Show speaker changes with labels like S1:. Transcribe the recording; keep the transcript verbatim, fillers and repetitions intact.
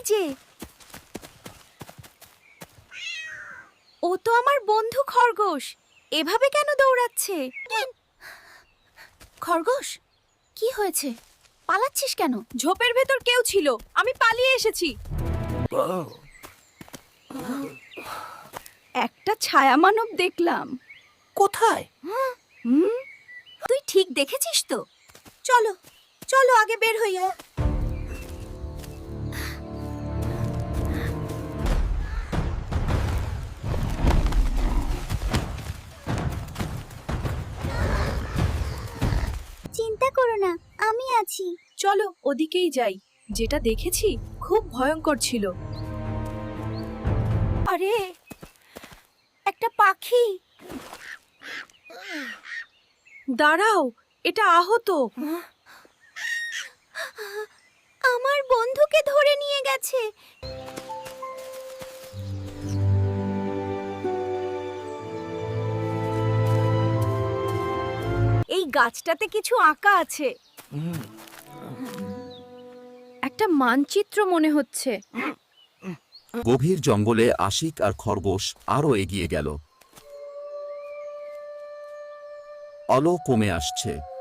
S1: যে, ও তো আমার বন্ধু খরগোশ। এভাবে কেন দৌড়াচ্ছে? খরগোশ, কি হয়েছে? পালাচ্ছিস কেন? ঝোপের ভেতর কেউ ছিল, আমি পালিয়ে এসেছি। একটা ছায়া মানব দেখলাম।
S2: কোথায়?
S1: হুম, তুই ঠিক দেখেছিস তো? চলো চলো আগে বের হইয়া। চিন্তা করো না, আমি আছি। চলো ওদিকেই যাই। যেটা দেখেছি খুব ভয়ঙ্কর ছিল। আরে, একটা পাখি। দাঁড়াও, এটা আহত। আমার বন্ধুকে ধরে নিয়ে গেছে। এই গাছটাতে কিছু আঁকা আছে। একটা মানচিত্র মনে হচ্ছে।
S3: গভীর জঙ্গলে আশিক আর খরগোশ আরও এগিয়ে গেল। আলো কমে আসছে।